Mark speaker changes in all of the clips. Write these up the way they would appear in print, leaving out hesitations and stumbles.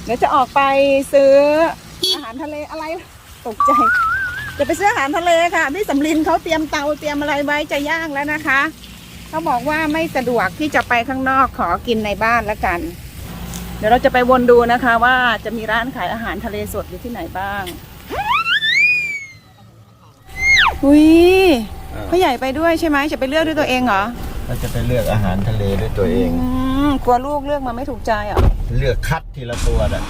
Speaker 1: ดี๋ยวจะออกไปซื้ออาหารทะเลอะไรตกใจจะไปซื้ออาหารทะเลค่ะพี่สำลินเขาเตรียมเตาเตรียมอะไรไว้จะย่างแล้วนะคะเขาบอกว่าไม่สะดวกที่จะไปข้างนอกขอกินในบ้านแล้วกัน เดี๋ยวเราจะไปวนดูนะคะว่าจะมีร้านขายอาหารทะเลสดอยู่ที่ไหนบ้างอุ้ยพ่อใหญ่ไปด้วยใช่ไหมจะไปเลือกด้วยตัวเองเหรอ
Speaker 2: เราจะไปเลือกอาหารทะเลด้วยตัวเอง
Speaker 1: กลัวลูกเลือกมาไม่ถูกใจเหรอ
Speaker 2: เลือกคัดทีละตัวน่ะ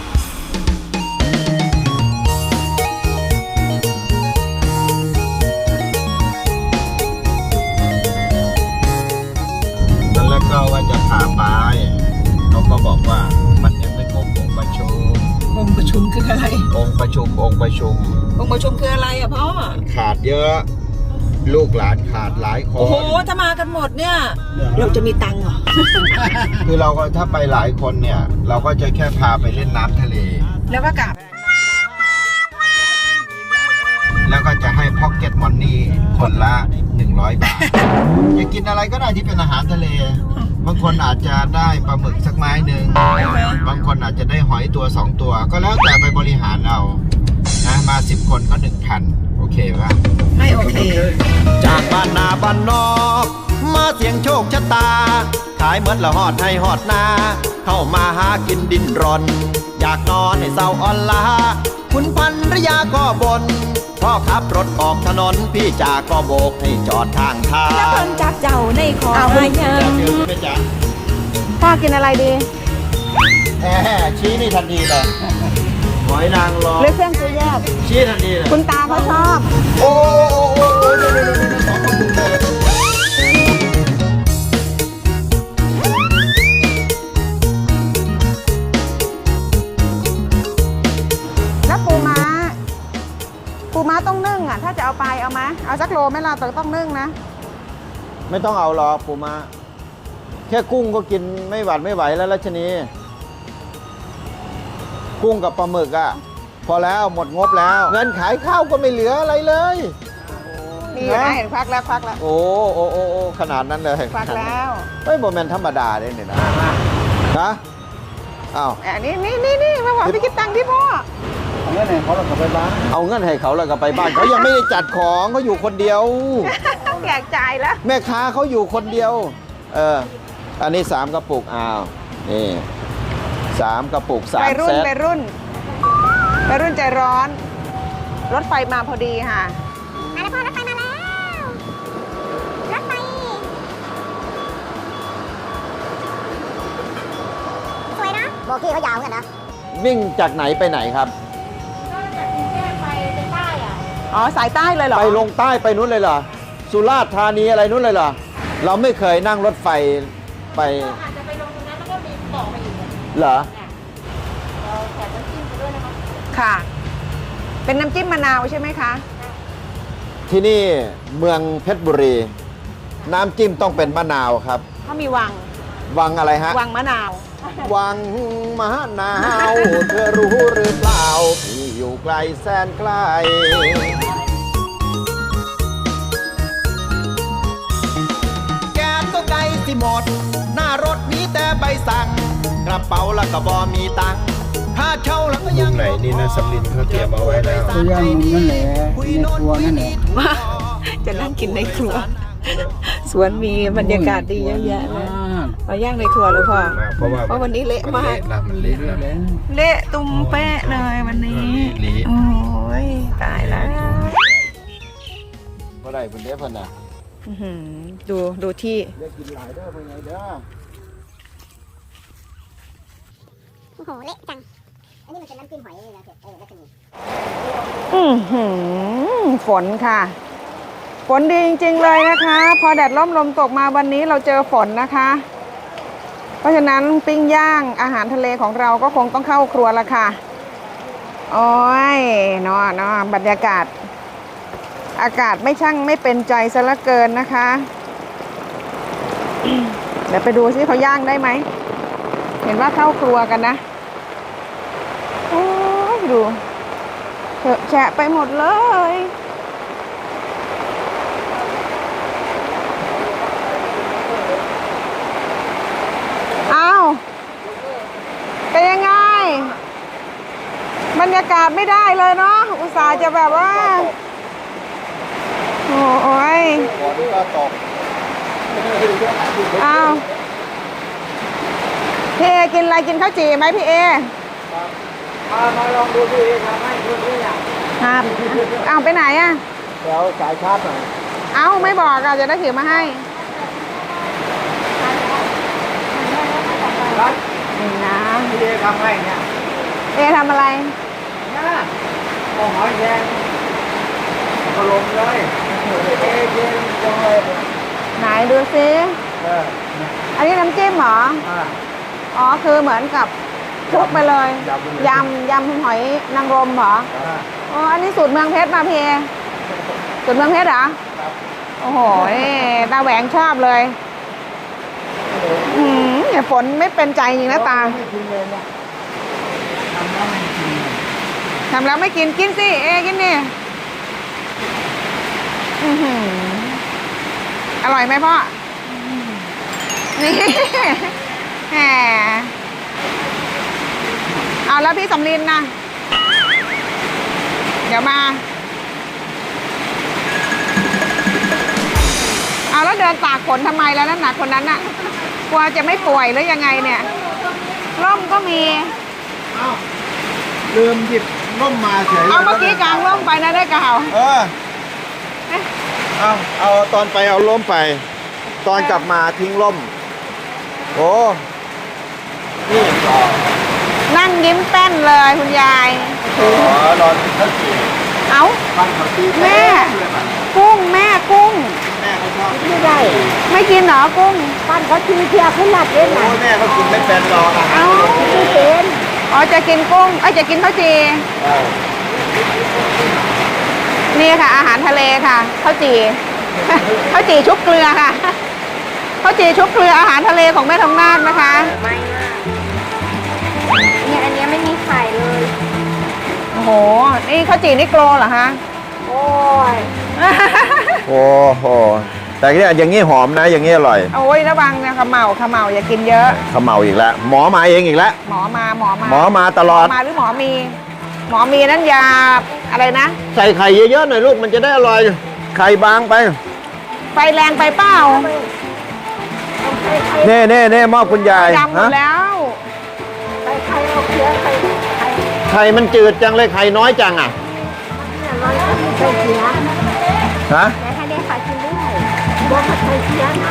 Speaker 2: แล้วก็ว่าจะพาไปเขาก็บอกว่ามันยังไม่ครบองค์ประชุม
Speaker 1: องค์ประชุมคืออะไร
Speaker 2: องค์ประชุมองค์ประชุม
Speaker 1: องค์ประชุมคืออะไรอ่ะพ่อ
Speaker 2: ขาดเยอะลูกหลานขาดหลายคน
Speaker 1: โอ้โหถ้ามากันหมดเนี่ยเราจะมีตังค์เหรอ
Speaker 2: คือเราก็ถ้าไปหลายคนเนี่ยเราก็จะแค่พาไปเล่นน้ำทะเล
Speaker 1: แล้วก็กลับ
Speaker 2: แล้วก็จะให้พ็อกเก็ตมอนนี่คนละ100 บาทจะกินอะไรก็ได้ที่เป็นอาหารทะเลบางคนอาจจะได้ปลาหมึกสักไม้หนึ่งบางคนอาจจะได้หอยตัว2 ตัวก็แล้วแต่ไปบริหารเอานะมา10 คนก็ 1,000โอเคป่ะ
Speaker 1: ไม่โอเค
Speaker 3: จากบ้านนาบ้านนอกมาเสียงโชคชะตาขายเมื่อละหอดให้หอดนาเข้ามาหากินดินรนอยากนอนให้เศร้าอ่อนล้าคุณพันรยาก็บนพ่อขับรถออกถนนพี่จาก็โบกให้จอดทางทาง
Speaker 4: แล้วเพิ่นจักเจ้าในขอมายัง
Speaker 1: พ่อกินอะไรดี
Speaker 2: ชี้นี่ทันทีเลยหอยนางรม
Speaker 1: หรือเครื่องซื้อแยก
Speaker 2: ชี้ทันทีเลย
Speaker 1: คุณตาเขาชอบ
Speaker 2: โอ้สองกระปุกเลย
Speaker 1: แล้วปูม้าต้องนึ่งอ่ะถ้าจะเอาไปเอามาเอาสักโลไหมล่ะแต่ต้องนึ่งนะ
Speaker 2: ไม่ต้องเอาหรอกปูม้าแค่กุ้งก็กินไม่หวาดไม่ไหวแล้วรัชนีกุ้งกับปลาหมึกอ่ะพอแล้วหมดงบแล้วเงินขายข้าวก็ไม่เหลืออะไรเลย
Speaker 1: นี่นะเห็นควักแล้ว
Speaker 2: โอ้ขนาดนั้นเลย
Speaker 1: ควักแล้ว
Speaker 2: เฮ้ยโมเมนต์ธรรมดาเนี่ยนะฮะอ้าว
Speaker 1: นี่มาบอกพี่คิดตังค์ที่พ่อ
Speaker 2: เอาเงินให้เขาแล้วก็ไปบ้านเอาเงินให้เขาแล้วก็ไปบ้านเขายังไม่ได้จัดของเขาอยู่คนเดียว
Speaker 1: แจกจ่ายแล้ว
Speaker 2: แม่ค้าเขาอยู่คนเดียวอันนี้3 กระปุกอ้าวนี่3 กระปุก3 เซต
Speaker 1: ไปรุ่นใจร้อนรถไฟมาพอดีค่ะ
Speaker 4: มาแล้วพ่อรถไฟมาแล้วรถไฟสวยนะโบกี้เขายาวกันนะ
Speaker 2: วิ่งจากไหนไปไหนครับ
Speaker 4: ก็จากกรุงเทพไปใต้อ่ะ
Speaker 1: อ๋อสายใต้เลยเหรอ
Speaker 2: ไปลงใต้ไปนู้นเลยเหรอสุราษฎร์ธานีอะไรนู้นเลยเหรอเราไม่เคยนั่งรถไฟไป
Speaker 4: อาจจะไปลงตรงนั้นแล้วก็มีต่อไปอีก
Speaker 2: เหรอ
Speaker 4: เราแถมน้ำจิ้มไปด้วยนะคะ
Speaker 1: ค่ะเป็นน้ำจิ้มมะนาวใช่ไหมคะ
Speaker 2: ที่นี่เมืองเพชรบุรีน้ำจิ้มต้องเป็นมะนาวครับ
Speaker 1: เขามีวั
Speaker 2: งอะไรฮะ
Speaker 1: วังมะนาว
Speaker 2: วังมะนาวเธอรู้หรือเปล่าที่อยู่ไกลแสนไกล
Speaker 3: แกนก็ไกลสิหมดหน้ารถมีแต่ใบสั่งกระเป๋าแล้วก็บ่มีตังค์ค่าเช่าแล้วก็ยัง
Speaker 2: ไหนนี่นะสำลินเขาเตรียมเอาไว้แล้ว
Speaker 5: ก็ย่างนั่นแหละในครัวนั่นแหละ
Speaker 1: ว่าจะนั่งกินในครัวสวนมีบรรยากาศดีเยอะแยะเลยมาย่างในครัวเลยพ่อเพราะวันนี้เละมาก
Speaker 2: มันเละ
Speaker 1: เละตุ้มเป๊ะเลยวันนี้โอ้ยตายแล้ว
Speaker 2: เมื่อไหร่เป็นเด็กพันน่ะ
Speaker 1: ดูที่
Speaker 2: เรียกกินหลายเด้อเป็นไงเด้อ
Speaker 4: โอ้โหเละจังอันนี้มันเป็นน้ำจิ้มหอยเลยนะแล้วจะ
Speaker 1: มีฝนค่ะฝนดีจริงๆเลยนะคะพอแดดร่มลมตกมาวันนี้เราเจอฝนนะคะเพราะฉะนั้นปิ้งย่างอาหารทะเลของเราก็คงต้องเข้าครัวละค่ะโอ้ยเนาะบรรยากาศอากาศไม่เป็นใจซะละเกินนะคะเดี๋ยวไปดูซิเขาย่างได้ไหมเห็นว่าเข้าครัวกันนะโอ้ยดูเถอะแฉะไปหมดเลยอ้าวเป็นยังไงยากาศไม่ได้เลยเนาะอุตส่าห์จะแบบว่า โอ้ย
Speaker 2: ฝนก็ตก
Speaker 1: อ้าวพี่เอกินอะไรกินข้าวจี่ไหมพี่เอ
Speaker 5: มาลองดูพี่ทำให้ดูด้วยอย่าง
Speaker 1: ครับเอาไปไหนอะ
Speaker 5: เดี๋ยวสายชาร์จหน่อย
Speaker 1: เอาไม่บอกอะจะได้ถือมาให้
Speaker 5: ครับ
Speaker 1: นี่นะ
Speaker 5: พี่ทำให้เนี่ย
Speaker 1: เอทำอะไร
Speaker 5: นะเอาหอยแครงถล่มเลยเอ๊ะเย็นจังเลย
Speaker 1: ไหนดูซิ
Speaker 5: เนี่ย
Speaker 1: อันนี้น้ำจิ้มเหรอ อ๋อคือเหมือนกับคลุกไปเลย ยำหอยนางรมเหรอ อ๋อ อันนี้สูตรเมืองเพชรมาพี่เอสูตรเมืองเพชรเหรอ โอ้โหตาแหวงชอบเลยเนี่ยฝนไม่เป็นใจจริงนะตา
Speaker 5: ไม่กินเลยเนี่ยทำแล้วไม่กิน
Speaker 1: ทำแล้วไม่กินกินสิเอกินนี่อื้อหืออร่อยไหมพ่อนี่แหมเอาแล้วพี่สำลินนะเดี๋ยวมาเอาแล้วเดินตากฝนทำไมแล้วนั่นหนักคนนั้นน่ะกลัวจะไม่ป่วยหรือยังไงเนี่ยร่มก็มี
Speaker 2: ลืมหยิบร่มมาเฉย
Speaker 1: เอาเมื่อกี้กลางร่มไปนะได้กล่าว
Speaker 2: เอาตอนไปเอาร่มไป ตอนกลับมาทิ้งร่ม โอ้นี่ต่อ
Speaker 1: นั่งยิ้มแป้นเลยคุณยาย
Speaker 2: รอกินข้าวจี่
Speaker 1: เอา
Speaker 2: ปั้นข้าวจี่
Speaker 1: แม่ กุ้งแม่กุ้ง
Speaker 2: แม่เขาชอบ
Speaker 1: ไม่ได้ ไม่กินเหรอกุ้งปั้นเขาทีเทียขึ้นหลัดเอง
Speaker 2: โอ้แม่เขากินไม่เป็นหรอกอ่ะ
Speaker 1: เอาไม่เป็นอ๋อจะกินกุ้งจะกินข้าวจีนี่ค่ะ อาหารทะเลค่ะข้าวจี ข้าวจีชุบเกลือค่ะข้าวจีชุบเกลืออาหารทะเลของแม่ทองนาคนะคะ
Speaker 4: ไม่มากเนี่ยอันเนี้ยไม่มีไข่เลย
Speaker 1: โอ้โหนี่ข้าวจีนี่โกลเหรอคะ
Speaker 4: โอ้ย
Speaker 2: โอ้โหแต่เนี่ยอย่างนี้หอมนะ อย่างนี้อร่อย
Speaker 1: โอ้ยระวังนะขมเหลาอย่ากินเยอะ
Speaker 2: เขมเมาอีกแล้ว หมอมาเองอีกแล้ว
Speaker 1: หมอมา
Speaker 2: หมอมาตลอด
Speaker 1: หรือหมอมี หมอมีนั่นยาอะไรนะ
Speaker 2: ใส่ไข่เยอะๆหน่อยลูกมันจะได้อร่อย ไข่บางไป
Speaker 1: ไฟแรงไปเปล่า
Speaker 2: เน่มอบคุณยาย
Speaker 1: ดำหมดแล้ว
Speaker 4: ไข่เอาเคี้ยวไข่
Speaker 2: ไข่มันจืดจังเลยไข่น้อยจังอ่ะ
Speaker 4: เนี่ยร้อยกินไข่เคี้ยว
Speaker 2: ฮะ
Speaker 4: แต่ถ้าได้ไข่กินด้วยบอกว่าไข่เคี้ยวนะ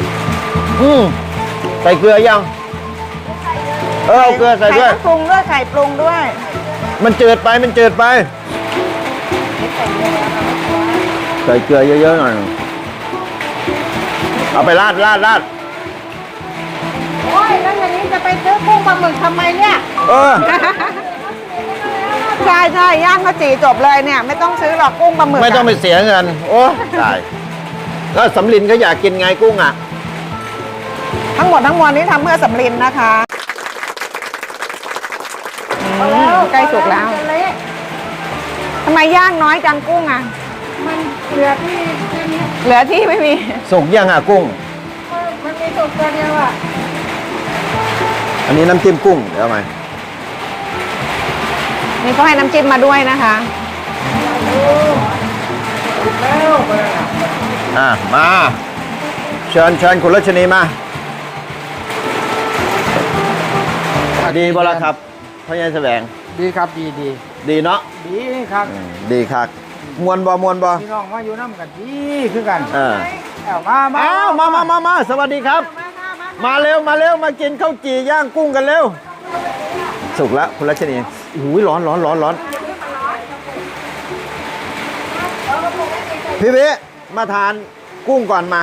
Speaker 2: ใส่เกลือยังเอาเกลือใส่ด้วย
Speaker 1: ไข่ปรุงด้วยไข่ปรุงด้วย
Speaker 2: มันจืดไปใส่เกลือเยอะๆหน่อยเอาไปราด
Speaker 1: โอ้ยแล้วอย่างนี้จะไปซื้อกุ้งปลาหมึกทำไมเนี่ย ใช่ย่างข้าวจี่จบเลยเนี่ย ไม่ต้องซื้อหรอกกุ้งปลาหมึก
Speaker 2: ไม่ต้องไปเสียเงิน โอ้ตายแล้วสำลินก็อยากกินไงกุ้งอ่ะ
Speaker 1: ทั้งหมดทั้งมวลนี้ทำเพื่อสำลินนะคะใกล้สุกแล้วทำไมย่างน้อยจังกุ้งอ่ะ
Speaker 4: มันเหลือที่แค่นี้
Speaker 1: เหลือที่ไม่มี
Speaker 2: สุกยังอ่ะกุ้ง
Speaker 4: มันมีสุกตัวเดียวอ่ะ
Speaker 2: อันนี้น้ำจิ้มกุ้งเดี๋ยวเอาไหม
Speaker 1: นี่ก็ให้น้ำจิ้มมาด้วยนะคะ
Speaker 2: มาเชิญคุณรัชนีมาดีบ่ละครับพ่อใหญ่แสวง
Speaker 5: ดีครับดี
Speaker 2: ดีเนาะ
Speaker 5: ดีครับ
Speaker 2: ดีครับมวนบ่
Speaker 5: พี่น้องมาอยู่น้ำกันดีคือกัน เอามา
Speaker 2: อ้าวมาสวัสดีครับ มาเร็วมากินข้าวจี่ย่างกุ้งกันเร็วสุกแล้วคุณรัชนีอุ้ยร้อนพี่วิมาทานกุ้งก่อนมา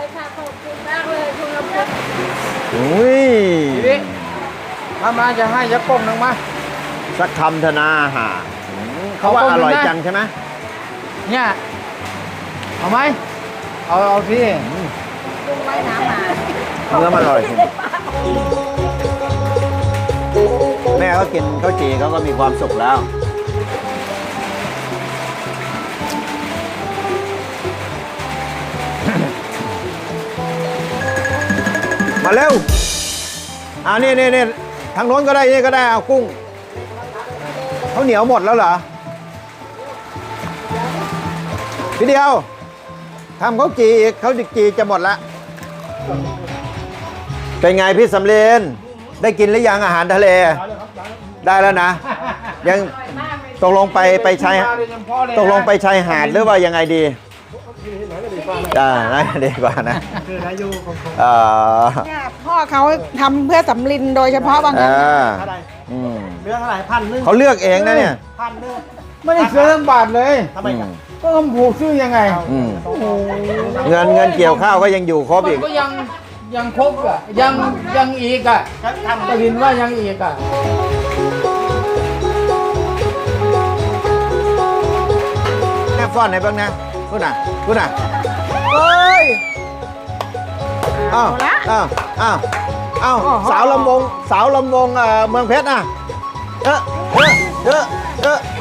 Speaker 2: อุ้ย
Speaker 5: มาจะให้ยักษ์ก้มหนึ่งมา
Speaker 2: สักคำธนาหาเขาว่าอร่อยจังใช่ไหม
Speaker 5: เนี่ยเอาไหมเอาที่
Speaker 2: เนื้อมันอร่อยจริงแม่เขากินข้าวจี่เขาก็มีความสุขแล้ว มาเร็วนี่ทางโน้นก็ได้นี่ก็ได้เอากุ้ง
Speaker 3: ข้าวเหนียวหมดแล้วเหรอ พี่เดียวทำข้าวจีอีกข้าวจีจะหมดละเป็นไงพี่สำเร็จได้กินหรือยังอาหารทะเล ได้แล้วนะ ยังตกลงไปชายตกลงไปชายหาดหรือว่ายังไงดีน่าดีกว่านะ
Speaker 1: เนี่ยพ่อเขาทำเพื่อสำลินโดยเฉพาะบางคน
Speaker 5: เรื่องอะไร1,000
Speaker 3: เขาเลือกเองนะเนี่ย
Speaker 5: ไม่ได้ซื้อทั้งบาทเลยทำไมกันก็คำผูกซื้อยังไง
Speaker 3: เงินเกี่ยวข้าวก็ยังอยู่ครบอีก
Speaker 5: ก็ยังครบอ่ะยังอีกอ่ะก็เห็นว่ายังอีกอ่ะ
Speaker 3: แม่ฟ้อนไหนบ้างนะพูดน่ะเฮ้ยอ้าวสาวลำวงเมืองเพชรอ่ะเออ